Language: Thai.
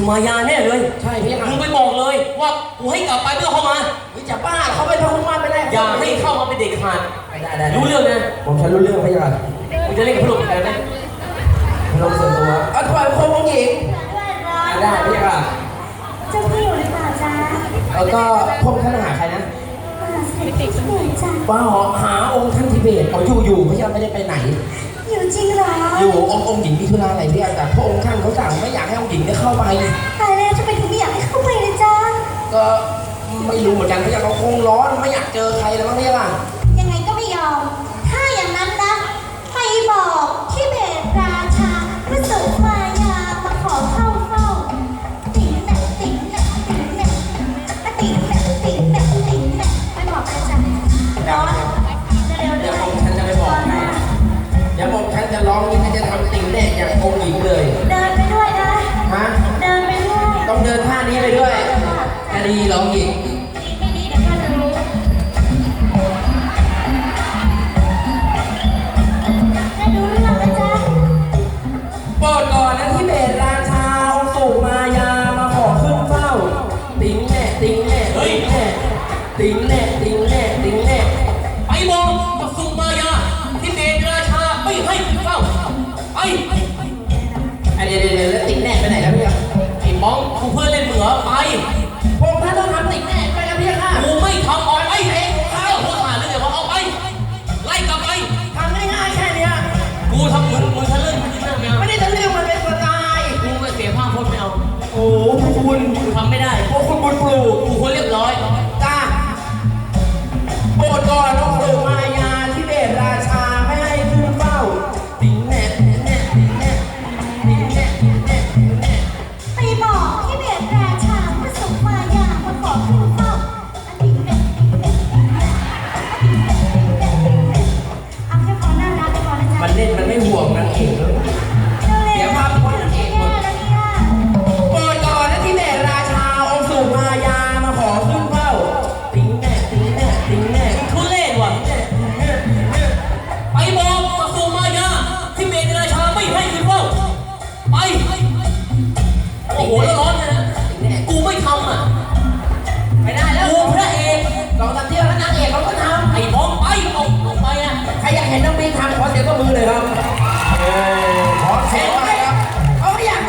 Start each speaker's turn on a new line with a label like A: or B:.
A: สุมายาแน่เลย
B: ใช่พี่
A: มึงไปบอกเลยว่ากูให้กลับไปเพื่อเข้ามา
B: จะบ้าเขาเป็นพระคุณมาไม่ได้
A: อย่าให้เข้ามาเป็นเด็กขาด
B: ได้
A: รู้เรื่องนะ
B: ผมฉันรู้เรื่องพี่ค่ะ
A: มึงจะเล่นกับพระองค์กันไหม
B: พระองค์ส่วนตัวถวายพระองค์หญิงได้พี่ค่ะ
C: เจ้าพี่อยู่หรือเปล่าจ๊ะ
B: แล้วก็พงท่านหาใครนะ
C: เด็กๆสมุนจ้ะ
B: ว่าหาองค์ท่านทิเบตเขาอยู่พี่ยังไม่ได้ไปไหน
C: อยู่จริงเหรอ
B: อยู่องค์หญิงมีธุระอะไรพี่แต่พระองค์ท่านเขาสั่งไม่อยากให้องค์หญิงได้เข้าไป
C: ตายแล้วทำไมถึงไม่อยากให้เข้าไปเลยจ๊ะ
B: ก็ไม่รู้เหมือนกันพี่เขาคงร้อนไม่อยากเจอใครแล้วมั้งพี่ล่ะ
C: ยังไงก็ไม่ยอมถ้าอย่างนั้นนะไปบอกที่เบตราชาพระสุมายามาขอเข้าเฝ้าติ๋งแหน่ติ๋งแหน่ติ๋งแหน่ติ๋งแหน่ติ๋งแหน่ติ๋งแหน่ไปบอกเลยจ้ะร้อนเร็วๆ
B: เดี๋ยวผมฉันจะไปบอกให้เดี๋ยวผมฉันจะร้องนี่ฉันจะทำติ๋งแหน่อย่างองค์หญิงเลย
C: เดินไปด้วยนะ
B: ฮะ
C: เดินไปด้วย
B: ต้องเดินท่านี้ไปด้วยจะดีร้องหญิง
C: ไม่ดีเดี๋ยวข้าจะรู้ได้ดูเรื่องแล้วจ้ะ
B: โปรดก่อนนะที่เบตราชาองค์สุมายามาขอขึ้นเฝ้าติ๋งแหน่ติ๋งแหน่ติ๋งแหน่ติ๋งแหน่ติ๋งแหน่ติ๋งแหน่
A: ไปบอกกับสุมายาที่เดชราชาไม่ให้ขึ้นเฝ้าไป
B: เดี๋ยวแล้วติ๋งแหน่ไปไหนแล้วพี่
A: ไอ้มองกูเพื่อนเล่นเหมือไป
B: ผมท่านต้องทำติ๋งแหน่ไปแล้วพี่ค่ะ
A: กูไม่ทำออกไปเองข้าวพูดมาเรื่องว่าเอาไปไล่กลับไป
B: ทำง่ายๆแค่นี้
A: กูทำมึงทะลึ่ง
B: ไม่ได้ทะลึ่งมันเป็นสไตล์
A: กูไม่เสียภาพพจน์ไม่เอา
B: โอ้คุณ
A: ทำไม่ได้
B: โอ้คุณบุญปลูก
A: กูควรเรียบร้อย
B: จ้าโปรดก่อนองค์สุมายาที่เบตราชาไม่ให้ขึ้นเฝ้าติ๋งแหน่ติ๋งแหน่ติ๋งแหน่ติ๋งแหน่ติ๋งแหน่ติ๋งแหน่
C: ไปบอกที่เบตราชาพระสุมายามาขอขึ้นเฝ้าติ๋งแหน่ติ๋งแหน่ติ๋งแหน่ติ๋งแหน่ติ๋งแหน่เอาแค่พอน่ารักพอนะจ๊ะ
B: มันเล่นมันไม่ห่วงนางเอกแล้ว